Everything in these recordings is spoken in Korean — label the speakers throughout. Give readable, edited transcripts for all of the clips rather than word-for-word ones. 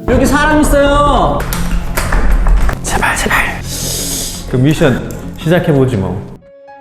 Speaker 1: 여기 사람 있어요. 제발. 그 미션 시작해보지 뭐.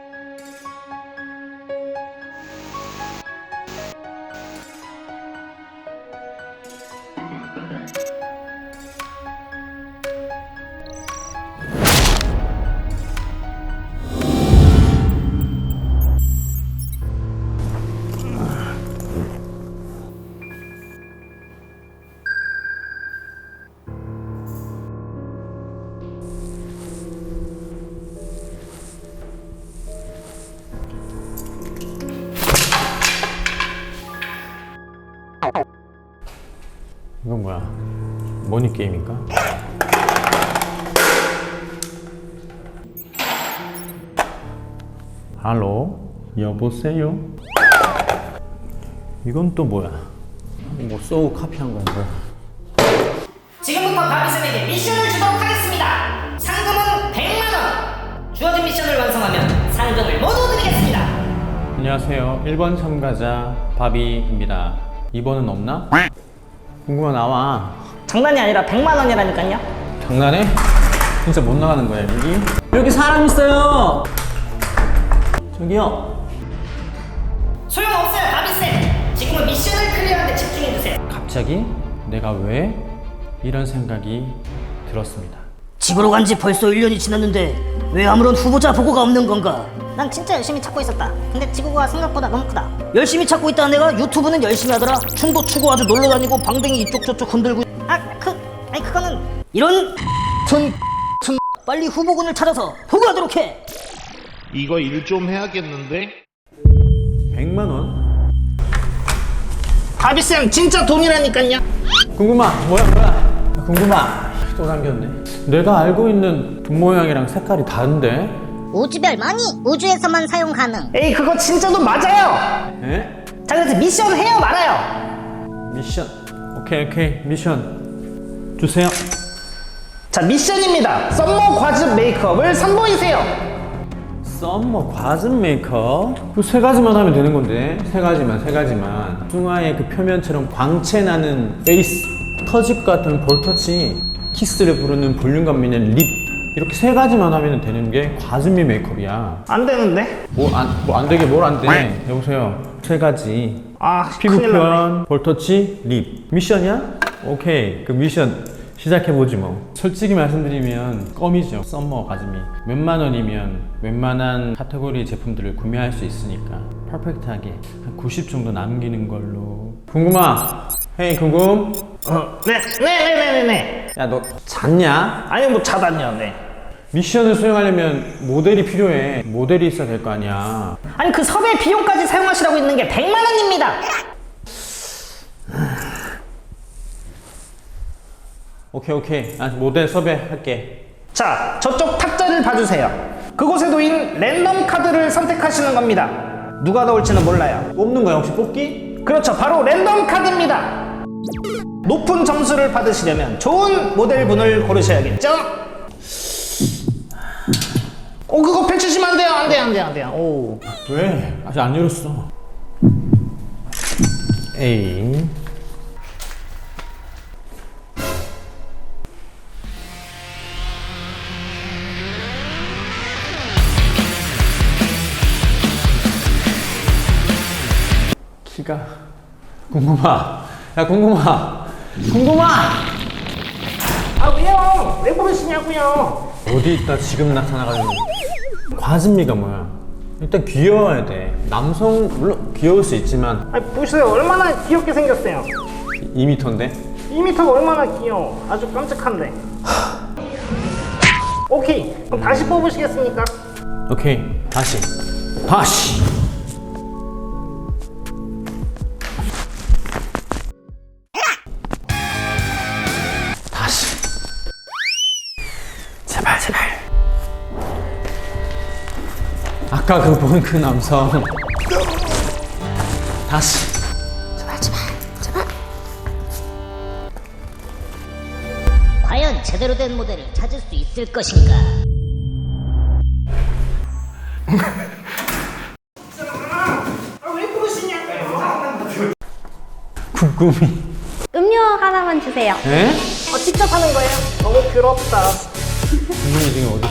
Speaker 1: 이건 뭐야? 모니 게임인가? 할로? 여보세요? 이건 또 뭐야? 뭐 쏘고 카피한 거야 뭐야?
Speaker 2: 지금부터 바비쌤에게 미션을 주도록 하겠습니다. 상금은 100만원. 주어진 미션을 완성하면 상금을 모두 드리겠습니다.
Speaker 1: 안녕하세요. 1번 참가자 바비입니다. 2번은 없나? 궁금한 나와.
Speaker 2: 장난이 아니라 100만원이라니까요.
Speaker 1: 장난해? 진짜 못 나가는 거야 여기 사람 있어요. 저기요.
Speaker 2: 소용없어요 바비쌤. 지금은 미션을 클리어하는데 집중해주세요.
Speaker 1: 갑자기 내가 왜 이런 생각이 들었습니다.
Speaker 3: 집으로 간 지 벌써 1년이 지났는데 왜 아무런 후보자 보고가 없는 건가?
Speaker 2: 난 진짜 열심히 찾고 있었다. 근데 지구가 생각보다 너무 크다.
Speaker 3: 열심히 찾고 있다는 애가 유튜브는 열심히 하더라. 춤도 추고 아주 놀러 다니고 방댕이 이쪽 저쪽 흔들고
Speaker 2: 아니 그거는
Speaker 3: 이런 빨리 후보군을 찾아서 보고하도록 해.
Speaker 4: 이거 일 좀 해야겠는데?
Speaker 1: 100만 원?
Speaker 2: 바비쌤 진짜 돈이라니까요.
Speaker 1: 궁금한 뭐야? 궁금한 또 남겼네. 내가 알고 있는 돈 모양이랑 색깔이 다른데?
Speaker 5: 우주별 머니 우주에서만 사용 가능.
Speaker 2: 에이 그거 진짜 돈 맞아요.
Speaker 1: 에?
Speaker 2: 자 그래서 미션 해요 말아요.
Speaker 1: 미션. 오케이 미션 주세요.
Speaker 2: 자 미션입니다. 썸머 과즙 메이크업을 선보이세요.
Speaker 1: 썸머 과즙 메이크업? 그 세 가지만 하면 되는 건데. 세 가지만. 숭아의 그 표면처럼 광채 나는 페이스, 터질 것 같은 볼터치, 키스를 부르는 볼륨감 있는 립, 이렇게 세 가지만 하면 되는 게 과즙미 메이크업이야.
Speaker 2: 안 되는데?
Speaker 1: 뭐 안 되게 뭘 안 돼? 여보세요. 세 가지.
Speaker 2: 아
Speaker 1: 피부
Speaker 2: 큰일 났네.
Speaker 1: 표현, 볼터치, 립. 미션이야? 오케이. 그 미션 시작해보지 뭐. 솔직히 말씀드리면 껌이죠. 썸머 과즙미. 몇만 원이면 웬만한 카테고리 제품들을 구매할 수 있으니까 퍼펙트하게 한 90 정도 남기는 걸로. 궁금아. 헤이 궁금.
Speaker 2: 네네네네네.
Speaker 1: 야 너 잤냐?
Speaker 2: 아니 뭐 자다니요. 네.
Speaker 1: 미션을 수행하려면 모델이 필요해. 모델이 있어야 될 거 아니야.
Speaker 2: 아니 그 섭외 비용까지 사용하시라고 있는 게 100만원입니다.
Speaker 1: 오케이. 나 모델 섭외할게.
Speaker 2: 자 저쪽 탁자를 봐주세요. 그곳에 놓인 랜덤 카드를 선택하시는 겁니다. 누가 나올지는 몰라요.
Speaker 1: 뽑는 거야 혹시 뽑기?
Speaker 2: 그렇죠, 바로 랜덤 카드입니다. 높은 점수를 받으시려면 좋은 모델분을 고르셔야겠죠? 그거 펼치시면 안 돼요. 오.
Speaker 1: 왜? 아직 안 열었어. A. 키가 궁금하. 야 궁금하.
Speaker 2: 아 왜요? 왜 고르시냐고요?
Speaker 1: 어디 있다 지금 나타나가지고. 과즙미가 뭐야? 일단 귀여워야 돼. 남성 물론 귀여울 수 있지만
Speaker 2: 아 보세요, 얼마나 귀엽게 생겼어요.
Speaker 1: 2m인데.
Speaker 2: 2m가 얼마나 귀여워. 아주 깜찍한데. 오케이, 그럼 다시 뽑으시겠습니까?
Speaker 1: 오케이 다시. 제발. 아까 그 본 그 남성. 다시.
Speaker 5: 제발. 과연 제대로 된 모델을 찾을 수 있을 것인가?
Speaker 2: 왜 그러시냐고요?
Speaker 1: 궁금이.
Speaker 6: 음료 하나만 주세요.
Speaker 1: 에?
Speaker 2: 직접 하는 거예요? 너무 부럽다.
Speaker 1: 분명히 지금 어디